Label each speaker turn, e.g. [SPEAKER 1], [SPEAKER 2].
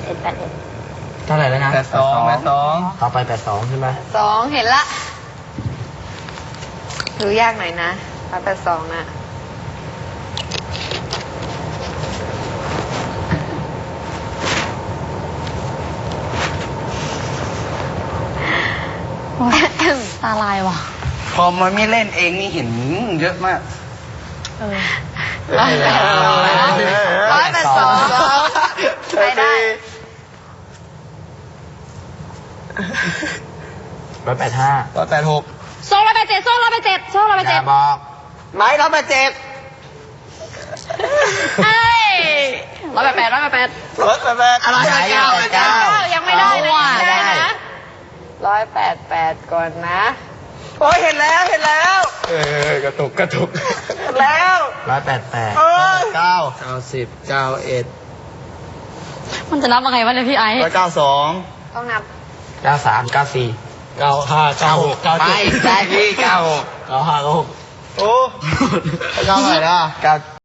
[SPEAKER 1] เท่าไหร่แล้วนะ
[SPEAKER 2] 82
[SPEAKER 1] ต่อไป82ใช่ไหม
[SPEAKER 3] 2เห็นละดูยากหน่อยนะ182น่ะ
[SPEAKER 4] ตาลายว่ะ
[SPEAKER 2] พอมันไม่เล่นเองนี่เห็นเยอะมาก
[SPEAKER 3] 182ใช้ได้
[SPEAKER 1] 185
[SPEAKER 2] 186
[SPEAKER 4] โซ่ร้อยแปดเจ็ดโซ่ร้อยแปดเจ็ดโซ่ร้อยแปด
[SPEAKER 1] อ
[SPEAKER 4] เจ็ด
[SPEAKER 1] ย่าบอก
[SPEAKER 2] ไม้187
[SPEAKER 4] เอ้ยร้อยแปดแปดร้อยแปดแปด
[SPEAKER 2] 188อะไร
[SPEAKER 1] 189
[SPEAKER 4] ยังไม่ได้นะ
[SPEAKER 1] ได้
[SPEAKER 4] ยังไม่ได้นะ
[SPEAKER 3] 188ก่อนนะ
[SPEAKER 2] โอ้ยเห็นแล้ว
[SPEAKER 1] กระตุก
[SPEAKER 2] เห็นแล้ว
[SPEAKER 1] 188
[SPEAKER 2] เออ
[SPEAKER 1] 90 91
[SPEAKER 4] มันจะนับยังไงวะเนี่ยพี่ไอ้
[SPEAKER 2] 192
[SPEAKER 3] ต้องนับ
[SPEAKER 1] 93 94 95 96 97ไม่ใช่พี่96 95 96
[SPEAKER 2] โอ้9เท่าไหร่แล้ว